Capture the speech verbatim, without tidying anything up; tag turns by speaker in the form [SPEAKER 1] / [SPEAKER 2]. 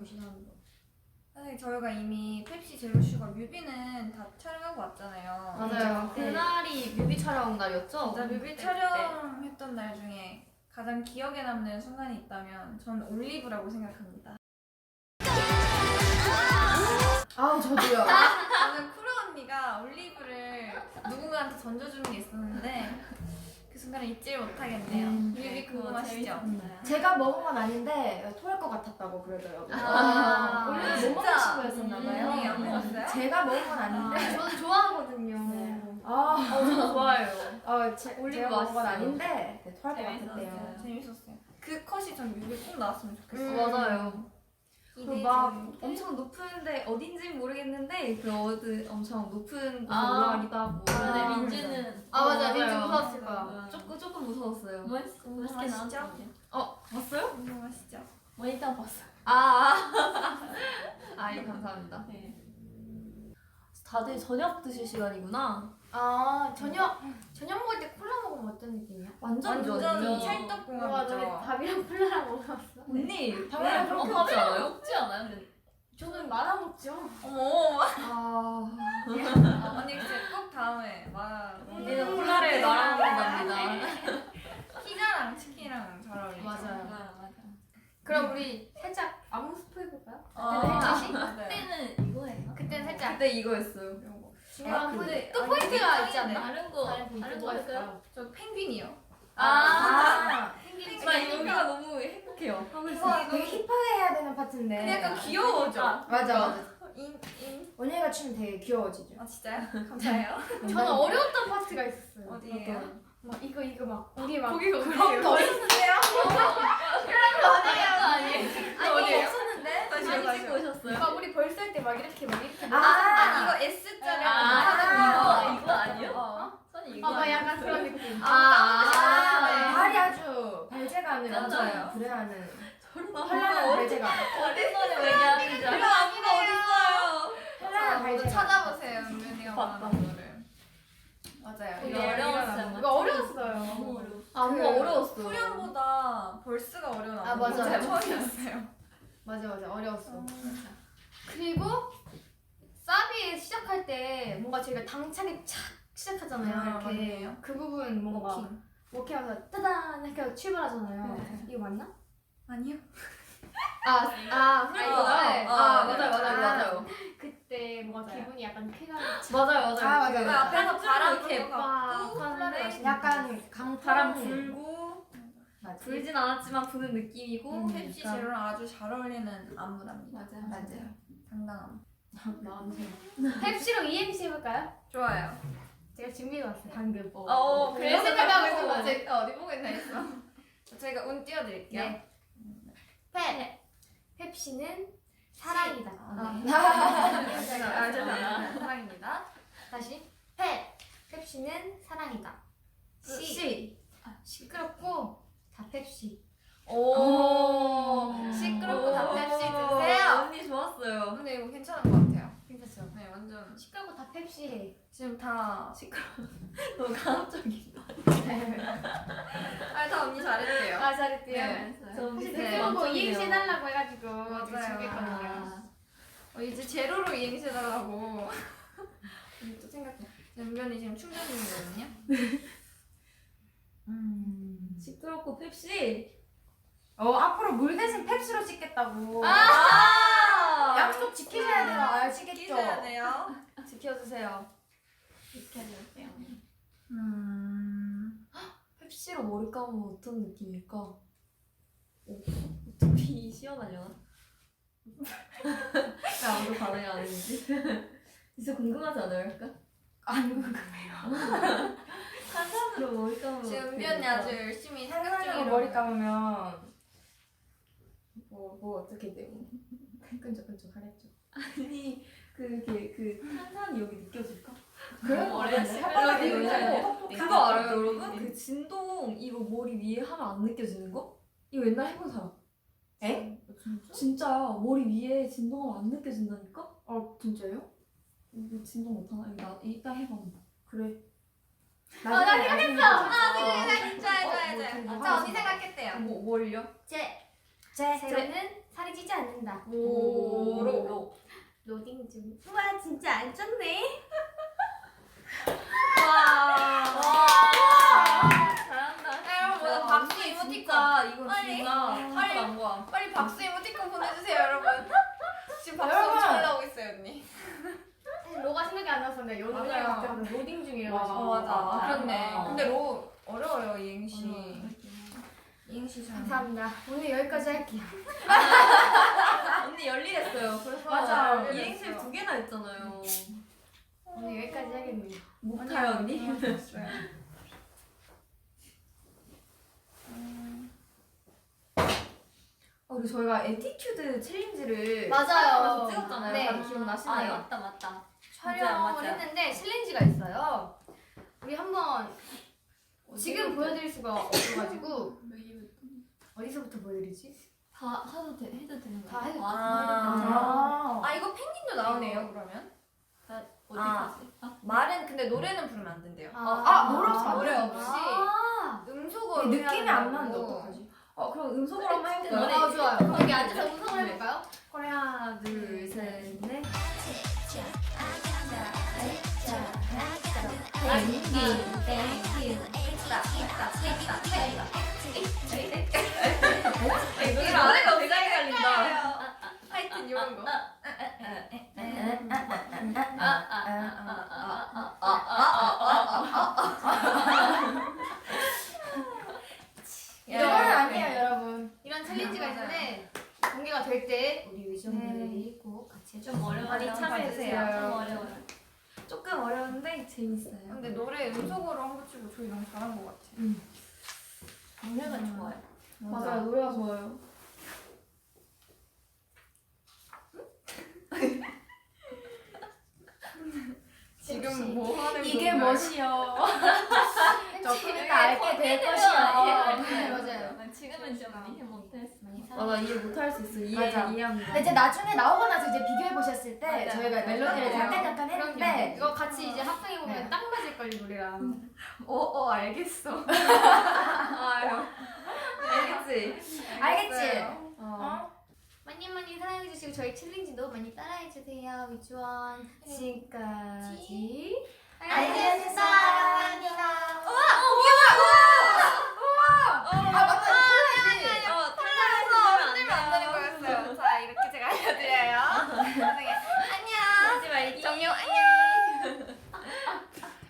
[SPEAKER 1] 지나는 거.
[SPEAKER 2] 사실 저희가 이미 펩시 제로슈가 뮤비는 다 촬영하고 왔잖아요.
[SPEAKER 1] 맞아요.
[SPEAKER 2] 네.
[SPEAKER 1] 그날이 뮤비 촬영 날이었죠?
[SPEAKER 2] 진짜 뮤비 촬영했던 날 중에 가장 기억에 남는 순간이 있다면 전 올리브라고 생각합니다.
[SPEAKER 1] 아 저도요.
[SPEAKER 2] 저는 쿠로 언니가 올리브를 누군가한테 던져주는 게 있었는데 그 순간을 잊지를 못하겠네요.
[SPEAKER 1] 음,
[SPEAKER 2] 뮤비
[SPEAKER 3] 네, 그거
[SPEAKER 2] 궁금하시죠?
[SPEAKER 3] 재밌었나요?
[SPEAKER 1] 제가 먹은 건 아닌데 토할 것 같았다고 그러더라고요.
[SPEAKER 2] 아,
[SPEAKER 1] 원래 못
[SPEAKER 2] 진짜?
[SPEAKER 1] 먹는 친구였었나봐요.
[SPEAKER 2] 음, 안 먹었어요?
[SPEAKER 1] 제가 먹은 건 아닌데.
[SPEAKER 3] 저는 좋아하거든요.
[SPEAKER 1] 네. 아,
[SPEAKER 3] 어, 저도 좋아해요.
[SPEAKER 1] 어, 제,
[SPEAKER 3] 올리브
[SPEAKER 1] 제가 먹은 건
[SPEAKER 3] 맛있어요.
[SPEAKER 1] 아닌데 네, 토할 것
[SPEAKER 3] 재밌었어요.
[SPEAKER 1] 같았대요.
[SPEAKER 2] 재밌었어요. 그 컷이 전 뮤비 꼭 나왔으면 좋겠어요.
[SPEAKER 1] 음.
[SPEAKER 3] 맞아요. 그리고
[SPEAKER 2] 기대해
[SPEAKER 3] 막
[SPEAKER 2] 주세요.
[SPEAKER 3] 엄청 높은데 어딘지는 모르겠는데 그 어디 엄청 높은 곳에
[SPEAKER 4] 아.
[SPEAKER 3] 올라가기도 하고.
[SPEAKER 4] 근데
[SPEAKER 2] 아,
[SPEAKER 4] 민주는
[SPEAKER 3] 아 맞아, 민지
[SPEAKER 1] 맞아요.
[SPEAKER 3] 무서웠을 거야.
[SPEAKER 4] 맞아요.
[SPEAKER 3] 조금 조금 무서웠어요.
[SPEAKER 4] 멋있, 멋있게
[SPEAKER 2] 아시죠?
[SPEAKER 4] 나왔거든요.
[SPEAKER 3] 어 봤어요?
[SPEAKER 2] 궁금하시죠?
[SPEAKER 4] 모니터 봤어요.
[SPEAKER 3] 아, 아, 예, 감사합니다.
[SPEAKER 4] 네. 다들 저녁 드실 시간이구나.
[SPEAKER 1] 아 저녁 저녁 먹을 때 콜라 먹으면 어떤 느낌이야?
[SPEAKER 3] 완전
[SPEAKER 2] 완전
[SPEAKER 3] 좋아요.
[SPEAKER 2] 찰떡궁합이죠.
[SPEAKER 1] 밥이랑 콜라랑 먹었어.
[SPEAKER 3] 언니, 방금
[SPEAKER 4] 네,
[SPEAKER 3] 그렇게
[SPEAKER 4] 어,
[SPEAKER 3] 먹지
[SPEAKER 4] 밥이랑
[SPEAKER 3] 않아요?
[SPEAKER 4] 먹지 않아요? 근데
[SPEAKER 1] 저는 말아 먹죠.
[SPEAKER 2] 어머,
[SPEAKER 3] 아,
[SPEAKER 2] 언니 진짜 꼭 다음에 말.
[SPEAKER 3] 우리는 콜라를 말아 먹는답니다.
[SPEAKER 2] 피자랑 치킨이랑 잘 어울리죠.
[SPEAKER 1] 맞아요.
[SPEAKER 4] 맞아 맞아.
[SPEAKER 1] 그럼 우리 살짝 안무 스포 해볼까요?
[SPEAKER 2] 아,
[SPEAKER 1] 혜지 씨?
[SPEAKER 2] 맞아요.
[SPEAKER 4] 그때는 이거예요.
[SPEAKER 1] 그때는 살짝
[SPEAKER 3] 그때 이거였어요.
[SPEAKER 2] 이거.
[SPEAKER 1] 중요한
[SPEAKER 2] 아,
[SPEAKER 1] 근데
[SPEAKER 2] 근데
[SPEAKER 1] 또
[SPEAKER 2] 아니,
[SPEAKER 1] 포인트가 있지
[SPEAKER 2] 짱이네.
[SPEAKER 1] 않나?
[SPEAKER 4] 다른 거
[SPEAKER 1] 다른
[SPEAKER 4] 다른
[SPEAKER 1] 거
[SPEAKER 4] 거 할까요?
[SPEAKER 2] 저 펭귄이요.
[SPEAKER 1] 아,
[SPEAKER 2] 펭귄
[SPEAKER 3] 나 여기가 너무 행복해요. 하고 있어.
[SPEAKER 1] 이거 되게 힙하게 해야 되는 파트인데.
[SPEAKER 2] 근데 약간 귀여워져.
[SPEAKER 4] 아,
[SPEAKER 1] 맞아 맞아.
[SPEAKER 2] 인, 인.
[SPEAKER 1] 언니가 추면 되게 귀여워지죠.
[SPEAKER 2] 아 진짜요? 감사해요.
[SPEAKER 1] 저는 어려웠던 파트가 있었어요.
[SPEAKER 2] 어디예요?
[SPEAKER 1] 막 이거 이거 막 우리 막
[SPEAKER 3] 거기가
[SPEAKER 1] 그럼 더 있는데요?
[SPEAKER 4] 아니에요 아니에요.
[SPEAKER 1] 아니
[SPEAKER 2] 어디예요?
[SPEAKER 1] 없었는데?
[SPEAKER 2] 다시
[SPEAKER 4] 많이
[SPEAKER 2] 다시.
[SPEAKER 4] 찍고 오셨어요?
[SPEAKER 1] 막 우리 벌써 할 때 막 이렇게 막 이렇게
[SPEAKER 2] 아,
[SPEAKER 1] 아,
[SPEAKER 2] 이거 S자를
[SPEAKER 4] 아,
[SPEAKER 2] 하는
[SPEAKER 4] 이거 이거 아니에요?
[SPEAKER 1] 어?
[SPEAKER 4] 선이 이거.
[SPEAKER 1] 막 약간 그런 느낌.
[SPEAKER 2] 아,
[SPEAKER 1] 아,
[SPEAKER 2] 네.
[SPEAKER 1] 발이 아주 발재간을
[SPEAKER 2] 맞아요.
[SPEAKER 1] 엄청 불행하는
[SPEAKER 3] 저러다
[SPEAKER 1] 현란한 발재간.
[SPEAKER 4] 어디서 얘기하는지 알아요?
[SPEAKER 3] 아무도 어딨어요?
[SPEAKER 1] 현란한
[SPEAKER 2] 모두
[SPEAKER 1] 발재간.
[SPEAKER 2] 찾아보세요. 은근이가
[SPEAKER 4] 봤다.
[SPEAKER 2] 말하는 거를. 맞아요.
[SPEAKER 4] 되게
[SPEAKER 2] 이거
[SPEAKER 4] 어려웠어요.
[SPEAKER 1] 이거 어려웠어요.
[SPEAKER 4] 너무 어려워.
[SPEAKER 3] 안무가
[SPEAKER 2] 그
[SPEAKER 3] 어려웠어요.
[SPEAKER 2] 후렴보다 벌스가 어려운
[SPEAKER 1] 아,
[SPEAKER 2] 안무가
[SPEAKER 1] 맞아요.
[SPEAKER 2] 처음이었어요.
[SPEAKER 1] 맞아 맞아 어려웠어. 그리고 사비 시작할 때 뭔가 저희가 당차게 착 시작하잖아요.
[SPEAKER 2] 아,
[SPEAKER 1] 이렇게
[SPEAKER 2] 맞네요.
[SPEAKER 1] 그 부분 뭔가
[SPEAKER 2] 워킹.
[SPEAKER 1] 워킹하면서 따단 이렇게 하고 출발하잖아요.
[SPEAKER 2] 네.
[SPEAKER 1] 이거 맞나?
[SPEAKER 2] 아니요.
[SPEAKER 1] 아, 아, 후렴구요?
[SPEAKER 2] 아,
[SPEAKER 1] 네.
[SPEAKER 2] 아,
[SPEAKER 3] 아,
[SPEAKER 2] 네.
[SPEAKER 3] 맞아요, 맞아요,
[SPEAKER 1] 아,
[SPEAKER 3] 맞아요.
[SPEAKER 1] 그때 뭔가
[SPEAKER 2] 맞아요.
[SPEAKER 1] 기분이 약간 쾌감이
[SPEAKER 3] 맞아요, 맞아요.
[SPEAKER 1] 아, 맞아요.
[SPEAKER 2] 그 앞에서 바람
[SPEAKER 3] 이렇게
[SPEAKER 2] 불어갖고
[SPEAKER 1] 막
[SPEAKER 2] 콜라를
[SPEAKER 1] 하는데 약간 강바람
[SPEAKER 3] 바람 불고
[SPEAKER 1] 맞아.
[SPEAKER 3] 불진 않았지만 부는 느낌이고
[SPEAKER 1] 음,
[SPEAKER 2] 펩시
[SPEAKER 3] 약간-
[SPEAKER 2] 제로랑 아주 잘 어울리는 안무랍니다.
[SPEAKER 4] 맞아요.
[SPEAKER 1] 맞아요.
[SPEAKER 2] 당당함.
[SPEAKER 4] 나한테.
[SPEAKER 1] 펩시로 이행시 해볼까요?
[SPEAKER 2] 좋아요.
[SPEAKER 1] 제가 준비해왔어요 방금.
[SPEAKER 2] 어,
[SPEAKER 1] 그래서 생각하고 있었거든요.
[SPEAKER 2] 제가 어디 보고 있나 했어. 저희가 운 띄워드릴게요.
[SPEAKER 1] 네. 펩. 펩시는 사랑이다.
[SPEAKER 2] 아, 네.
[SPEAKER 1] 아,
[SPEAKER 2] 아, 죄송합니다. 사랑입니다.
[SPEAKER 1] 다시 펩. 펩시는 사랑이다. 시.
[SPEAKER 3] 시.
[SPEAKER 1] 아, 시끄럽고 다 펩시.
[SPEAKER 2] 오, 시끄럽고 다 펩시 드세요.
[SPEAKER 3] 언니 좋았어요.
[SPEAKER 2] 근데 이거 괜찮은 것 같아요.
[SPEAKER 1] 괜찮죠?
[SPEAKER 2] 네, 완전
[SPEAKER 1] 시끄럽고 다 펩시.
[SPEAKER 2] 지금 다
[SPEAKER 3] 너무 강압적인.
[SPEAKER 2] 아, 다 언니 잘했대요.
[SPEAKER 1] 아 잘했대요.
[SPEAKER 2] 네.
[SPEAKER 3] 저
[SPEAKER 1] 혹시
[SPEAKER 3] 밑에
[SPEAKER 1] 댓글 보고
[SPEAKER 3] 완전이에요.
[SPEAKER 1] 이행시 해달라고 해가지고
[SPEAKER 2] 맞아요.
[SPEAKER 1] 지금 준비했거든요.
[SPEAKER 3] 아,
[SPEAKER 2] 어, 이제 제로로 이행시 해달라고. 또 생각해. 연변이 지금 충전 중이거든요.
[SPEAKER 1] 음.
[SPEAKER 3] 시끄럽고 펩시.
[SPEAKER 1] 어 앞으로 물 대신 펩시로 찍겠다고.
[SPEAKER 3] 아!
[SPEAKER 1] 약속 지키셔야 돼요. 아시겠죠?
[SPEAKER 2] 끼셔야 돼요.
[SPEAKER 3] 지켜주세요.
[SPEAKER 4] 이렇게 해주세요.
[SPEAKER 2] 음.
[SPEAKER 3] 펩시로 머리 감으면 어떤 느낌일까? 오, 어떻게 시원하려나? 왜 아무도 반응이 안 했지? 진짜 궁금하지 않아요, 약간?
[SPEAKER 1] 안 궁금해요.
[SPEAKER 3] 탄산으로 머리 감으면
[SPEAKER 2] 지금
[SPEAKER 3] 어떻게
[SPEAKER 2] 은변이
[SPEAKER 3] 될까?
[SPEAKER 2] 아주 열심히 생각
[SPEAKER 1] 상상으로
[SPEAKER 2] 중이라고.
[SPEAKER 1] 머리 감으면 뭐, 뭐 어떻게 돼요? 끈적끈적 하겠죠.
[SPEAKER 3] 아니 그게 그 탄산이 여기 느껴질까?
[SPEAKER 1] 그런
[SPEAKER 4] 거
[SPEAKER 1] 거래.
[SPEAKER 4] 어려웠어요.
[SPEAKER 1] 혓바닥에
[SPEAKER 3] 여기
[SPEAKER 1] 올려요.
[SPEAKER 3] 그거 그거 알아요, 여러분? 그 진동 이거 머리 위에 하면 안 느껴지는 거? 이거 옛날 해본 사람.
[SPEAKER 1] 에?
[SPEAKER 3] 진짜야. 머리 위에 진동하면 안 느껴진다니까?
[SPEAKER 1] 어 진짜요?
[SPEAKER 3] 이거 진동 못하나? 이거 나 이따 해봐.
[SPEAKER 1] 그래.
[SPEAKER 2] 아, 나
[SPEAKER 1] 생각했어.
[SPEAKER 2] 아, 생각 좋아요,
[SPEAKER 3] 어,
[SPEAKER 2] 좋아요,
[SPEAKER 3] 뭐
[SPEAKER 2] 좋아요.
[SPEAKER 3] 좀
[SPEAKER 2] 자, 언니 생각했대요.
[SPEAKER 3] 뭐 뭘요?
[SPEAKER 1] 제. 제 제로는 살이 찌지 않는다. 하겠습니다.
[SPEAKER 2] 오로.
[SPEAKER 1] 로딩 중. 우와 진짜 안 쪘네.
[SPEAKER 3] 와.
[SPEAKER 4] 잘한다.
[SPEAKER 2] 여러분
[SPEAKER 3] 와,
[SPEAKER 2] 박수
[SPEAKER 3] 언니
[SPEAKER 2] 이모티콘.
[SPEAKER 3] 진짜 이거
[SPEAKER 2] 빨리.
[SPEAKER 3] 진짜
[SPEAKER 2] 빨리.
[SPEAKER 3] 빨리 안 거야.
[SPEAKER 2] 빨리 박수 이모티콘 보내주세요 여러분. 지금 박수
[SPEAKER 1] 여러분.
[SPEAKER 2] 엄청 올라오고 있어요 언니.
[SPEAKER 1] 로가 생각이 안 났었는데 연준이
[SPEAKER 2] 맞아요.
[SPEAKER 1] 갑자기 로딩 중이라서.
[SPEAKER 2] 어 맞아.
[SPEAKER 3] 아,
[SPEAKER 2] 그렇네.
[SPEAKER 3] 아.
[SPEAKER 2] 근데 로 어려워요 이행시. 이행시 잘.
[SPEAKER 1] 감사합니다. 오늘 여기까지 할게요.
[SPEAKER 3] 언니 열일했어요. 그래서
[SPEAKER 1] 맞아.
[SPEAKER 3] 이행시 두 개나 했잖아요.
[SPEAKER 1] 오늘 여기까지 하겠네요.
[SPEAKER 3] 못해요 언니?
[SPEAKER 2] 좋았어요.
[SPEAKER 3] 어, 그리고 저희가 에티튜드 챌린지를
[SPEAKER 1] 맞아요.
[SPEAKER 3] 촬영하면서 찍었잖아요.
[SPEAKER 1] 네.
[SPEAKER 3] 다들
[SPEAKER 4] 아
[SPEAKER 3] 기억나시나요?
[SPEAKER 4] 맞다 맞다.
[SPEAKER 1] 촬영을
[SPEAKER 4] 맞아요, 맞아요.
[SPEAKER 1] 했는데 챌린지가 있어요. 우리 한번 지금 보여드릴 수가 없어가지고 어디서부터 보여드리지?
[SPEAKER 4] 다 해도 돼 해도 되는 거야?
[SPEAKER 1] 다 해도
[SPEAKER 2] 아. 아 이거 펭귄도 나오네요 그러면?
[SPEAKER 4] 어디까지? 아,
[SPEAKER 2] 말은 근데 노래는 부르면 안 된대요.
[SPEAKER 1] 아,
[SPEAKER 3] 아, 노래 없이 안
[SPEAKER 2] 노래
[SPEAKER 3] 되는
[SPEAKER 2] 없이
[SPEAKER 1] 아,
[SPEAKER 2] 음소거로
[SPEAKER 3] 근데 느낌이
[SPEAKER 2] 해야
[SPEAKER 3] 안
[SPEAKER 2] 된다고.
[SPEAKER 3] 나는데 어떡하지? 어 그럼 음성으로 한번 해볼까요?
[SPEAKER 4] 노래
[SPEAKER 1] 아 좋아요. 그럼 여기 앉아서 음성을 해볼까요?
[SPEAKER 3] 그래 하나 둘셋넷
[SPEAKER 4] 땡큐 땡큐.
[SPEAKER 3] 노래 안 해가 굉장히 헷갈린다.
[SPEAKER 2] 하여튼 이런 거.
[SPEAKER 1] 이거는 아니에요 여러분. 이런
[SPEAKER 2] 네,
[SPEAKER 1] 챌린지가 있는데 공개가 될 때 우리 의정들이 꼭 같이 해주세요.
[SPEAKER 4] 좀 어려워요.
[SPEAKER 3] 많이 참여해주세요.
[SPEAKER 4] 좀 어려워요.
[SPEAKER 3] 조금 어려운데 재밌어요.
[SPEAKER 2] 근데 노래 음소거로 한 거 치고 저희 너무 잘한 것 같아.
[SPEAKER 4] 노래가 좋아요.
[SPEAKER 3] 맞아요 노래가 좋아요.
[SPEAKER 2] 지금 뭐 하는
[SPEAKER 3] 이게
[SPEAKER 2] 건가요?
[SPEAKER 3] 멋이요.
[SPEAKER 1] 조금
[SPEAKER 4] 이게
[SPEAKER 1] 이따 알게 될
[SPEAKER 4] 콘텐츠가
[SPEAKER 1] 것이요.
[SPEAKER 4] 이해가
[SPEAKER 1] 네 맞아요.
[SPEAKER 4] 지금은 좀 이해 못했어.
[SPEAKER 3] 맞아 이해 못할 수 있어. 이해
[SPEAKER 1] 맞아.
[SPEAKER 3] 이해합니다.
[SPEAKER 1] 근데 이제 나중에 나오고 나서 이제 비교해 보셨을 때
[SPEAKER 4] 맞아요.
[SPEAKER 1] 저희가 멜로디를
[SPEAKER 2] 맞아요.
[SPEAKER 1] 잠깐 잠깐
[SPEAKER 2] 그럼요.
[SPEAKER 1] 했는데 이거 같이 이제 합성해 보면
[SPEAKER 3] 네.
[SPEAKER 1] 딱 맞을 걸 이 노래랑.
[SPEAKER 2] 어, 어 알겠어.
[SPEAKER 3] 아유 알겠지.
[SPEAKER 1] 알겠지?
[SPEAKER 3] 어.
[SPEAKER 1] 어? 많이 많이 사랑해 주시고 저희 챌린지도 많이 따라해 주세요. 위주원 지금까지
[SPEAKER 2] 알겠어.
[SPEAKER 1] 사랑합니다. 우와